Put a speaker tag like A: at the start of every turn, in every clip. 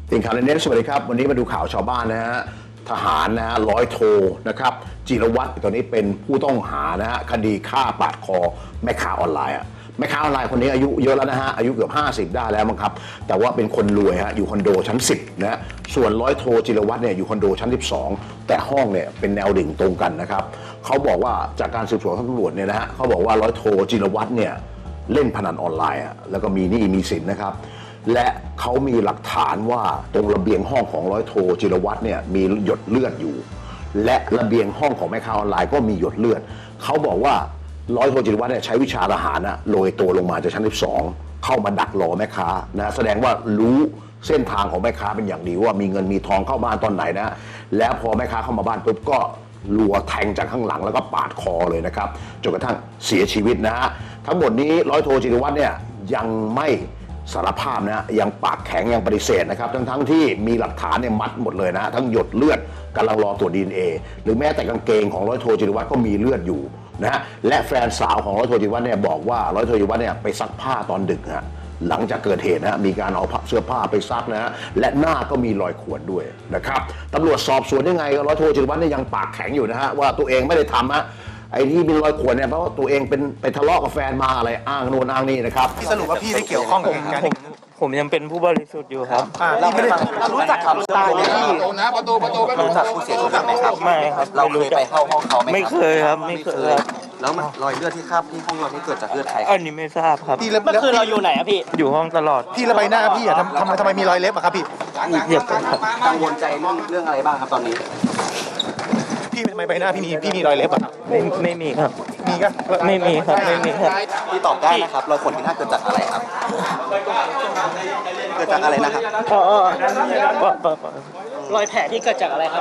A: ติ่งข่าวในเน็ตสวัสดีครับวันนี้มาดูข่าวชาวบ้านนะฮะทหารนะฮะร้อยโทนะครับจิรวัตรตอนนี้เป็นผู้ต้องหานะฮะคดีฆ่าปาดคอแม่ค้าออนไลน์แม่ค้าออนไลน์คนนี้อายุเยอะแล้วนะฮะอายุเกือบ50ได้แล้วมั้งครับแต่ว่าเป็นคนรวยฮะอยู่คอนโดชั้น10นะฮะส่วนร้อยโทจิรวัตรเนี่ยอยู่คอนโดชั้น12แต่ห้องเนี่ยเป็นแนวดิ่งตรงกันนะครับเขาบอกว่าจากการสืบสวนของตำรวจเนี่ยนะฮะเขาบอกว่าร้อยโทจิรวัตรเนี่ยเล่นพนันออนไลน์แล้วก็มีหนี้มีสินนะครับและเขามีหลักฐานว่าตรงระเบียงห้องของร้อยโทจิรวัตรเนี่ยมีหยดเลือดอยู่และระเบียงห้องของแม่ค้าออนไลน์ก็มีหยดเลือดเขาบอกว่าร้อยโทจิรวัตรเนี่ยใช้วิชาทหารโรยตัวลงมาจากชั้น12เข้ามาดักรอแม่ค้านะแสดงว่ารู้เส้นทางของแม่ค้าเป็นอย่างดีว่ามีเงินมีทองเข้าบ้านตอนไหนนะแล้วพอแม่ค้าเข้ามาบ้านปุ๊บก็รัวแทงจากข้างหลังแล้วก็ปาดคอเลยนะครับจนกระทั่งเสียชีวิตนะฮะทั้งหมดนี้ร้อยโทจิรวัตรเนี่ยยังไม่สารภาพนะยังปากแข็งยังปฏิเสธนะครับทั้งที่มีหลักฐานเนี่ยมัดหมดเลยนะทั้งหยดเลือดกำลังรอตรวจ DNA หรือแม้แต่กางเกงของร้อยโทจิรวัตรก็มีเลือดอยู่นะฮะและแฟนสาวของร้อยโทจิรวัตรเนี่ยบอกว่าร้อยโทจิรวัตรเนี่ยไปซักผ้าตอนดึกฮะหลังจากเกิดเหตุนะมีการเอาเสื้อผ้าไปซักนะฮะและหน้าก็มีรอยข่วนด้วยนะครับตำรวจสอบสวนยังไงร้อยโทจิรวัตรเนี่ยยังปากแข็งอยู่นะฮะว่าตัวเองไม่ได้ทำฮะไอ้ที่มีรอยข่วนเนี่ยเพราะว่าตัวเองเป็นไปทะเลาะกับแฟนมาอะไรอ้างโน่นอ้างนี่นะครับ
B: สรุปว่าพี่ได้เกี่ยวข้องกับเหตุการณ์นี้
C: ผมยังเป็นผู้บริสุทธิ์อยู่ครับ
B: เราไม่ได้เรารู้จักกับตายไหมพี่
D: ประตูรู้จักผู้เสียชีวิตไหมครับ
C: ไม่ครับ
D: เราเคยไปเข้าห้องเขาไหม
C: ไม่เคยครับไม่เคยครับ
D: แล้วมันรอยเลือดที่คราบที่ห้องเราที่เกิดจากเลือดใคร
C: อันนี้ไม่ทราบครับ
B: พี่แล้ว
E: เมื่อคืนเราอยู่ไหนอะพี่
C: อยู่ห้องตลอด
B: พี่ระใบหน้าพี่อะทำไมมีรอยเล็บอะครับพี่
C: เหยียบกันครับ
D: กังวลใจเรื่องอะไรบ้างครับตอนนี้
B: พี่ทำไมใบหน้าพี่มีรอยเล็บอะครับ
C: ไม่มีครับ
B: มีก็
C: ไม่มีครับไม่มีครับ
D: ที่ตอบได้นะครับรอยขนที่หน้าเกิดจากอะไรครับ เกิดจากอะไรนะครับ
E: รอยแผลที่เกิดจากอะไรครับ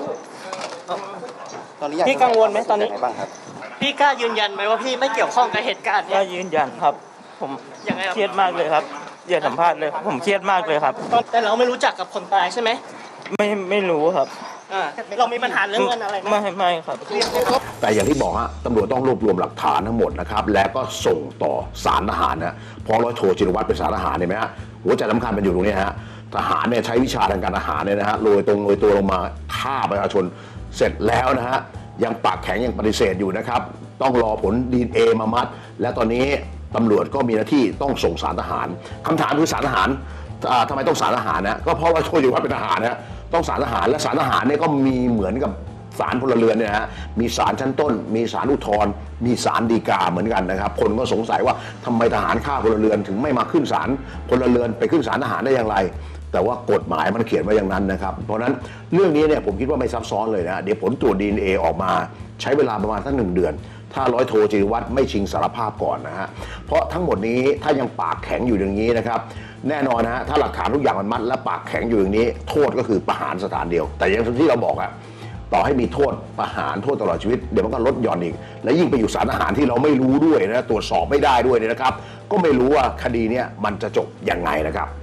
D: ตอนนี้อยาก
E: พี่กังวลไหมตอนนี้
D: ยังไงบ้างครับ
E: พี่กล้ายืนยันไหมว่าพี่ไม่เกี่ยวข้องกับเหตุการณ์
C: ก็
E: เนี้ย
C: ยืนยันครับ ผม
E: ยังไงครับ
C: เครียดมากเลยครับอย่าสัมภาษณ์เลยผมเครียดมากเลยครับ
E: แต่เราไม่รู้จักกับคนตายใช่ไหม
C: ไม่รู้ครับ
E: เรามีปัญหาเรื่องเงินอะไรไหม
C: ไม่ครับ
A: แต่อย่างที่บอกฮะตำรวจต้องรวบรวมหลักฐานทั้งหมดนะครับแล้วก็ส่งต่อศาลทหารนะเพราะร้อยโทจิรวัตรเป็นศาลทหารเห็นไหมฮะหัวใจสำคัญเป็นอยู่ตรงนี้ฮะทหารเนี่ยใช้วิชาทางการทหารเนี่ยนะฮะโรยตัวลงมาฆ่าประชาชนเสร็จแล้วนะฮะยังปากแข็งยังปฏิเสธอยู่นะครับต้องรอผล DNA มามัดและตอนนี้ตำรวจก็มีหน้าที่ต้องส่งศาลทหารคำถามคือศาลทหารทำไมต้องศาลทหารนะก็เพราะว่าโทจิรวัตรเป็นทหารนะต้องศาลทหารและศาลทหารเนี่ยก็มีเหมือนกับศาลพลเรือนเนี่ยนะฮะมีศาลชั้นต้นมีศาลอุทธรณ์มีศาลฎีกาเหมือนกันนะครับคนก็สงสัยว่าทำไมทหารฆ่าพลเรือนถึงไม่มาขึ้นศาลพลเรือนไปขึ้นศาลทหารได้อย่างไรแต่ว่ากฎหมายมันเขียนไว้อย่างนั้นนะครับเพราะฉะนั้นเรื่องนี้เนี่ยผมคิดว่าไม่ซับซ้อนเลยนะเดี๋ยวผลตรวจ DNA ออกมาใช้เวลาประมาณสัก1 เดือน ถ้าร้อยโทจิรวัตรไม่ชิงสารภาพก่อนนะฮะเพราะทั้งหมดนี้ถ้ายังปากแข็งอยู่อย่างนี้นะครับแน่นอนนะฮะถ้าหลักฐานทุกอย่างมันมัดและปากแข็งอยู่อย่างนี้โทษก็คือประหารสถานเดียวแต่อย่างที่เราบอกอะต่อให้มีโทษประหารโทษตลอดชีวิตเดี๋ยวมันก็ลดหย่อนอีกและยิ่งไปอยู่ศาลทหารที่เราไม่รู้ด้วยนะตรวจสอบไม่ได้ด้วยเนี่ยนะครับก็ไม่รู้ว่าคดีเนี้ยมันจะจบยังไงนะครับ